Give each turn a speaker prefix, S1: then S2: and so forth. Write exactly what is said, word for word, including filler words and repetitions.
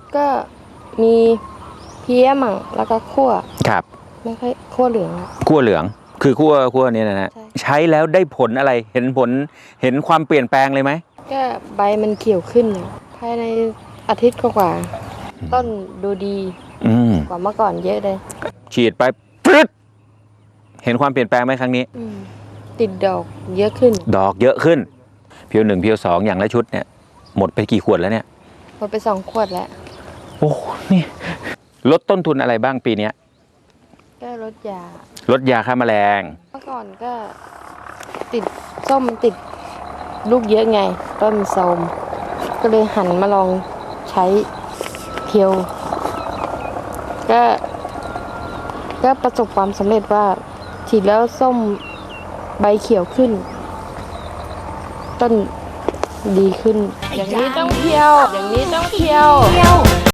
S1: ก็มีเพี้ยมั่งแล้วก็คั่ว
S2: ครับ
S1: ไม่ค่อยคั่วเหลือง
S2: คั่วเหลืองคือคั่วคั่วนี้นะฮะ
S1: ใช่
S2: ใช้แล้วได้ผลอะไรเห็นผลเห็นความเปลี่ยนแปลงเลยไหม
S1: ก็ใบมันเขียวขึ้นภายในอาทิตย์กว่าๆต้นดูดี
S2: อืม
S1: กว่าเมื่อก่อนเยอะเลย
S2: ฉีดไปปึ๊ดเห็นความเปลี่ยนแปลงไหมครั้งนี้
S1: อืมติดดอกเยอะขึ้น
S2: ดอกเยอะขึ้นเพียวหนึ่งเพียวสองอย่างละชุดเนี่ยหมดไปกี่ขวดแล้วเนี่ย
S1: หมดไปสองขวดแล้ว
S2: โอ้นี่ลดต้นทุนอะไรบ้างปีเนี้ย
S1: ก็ลดยา
S2: ลดยาฆ่าแมลง
S1: เมื่อก่อนก็ติดส้มมันติดลูกเยอะไง ต้นโทรมก็เลยหันมาลองใช้เพียว ก็ก็ประสบความสำเร็จว่าฉีดแล้วส้มใบเขียวขึ้น ต้นดีขึ้น อย่างนี้ต้องเพียว อย่างนี้ต้องเพียว
S3: เที่ยว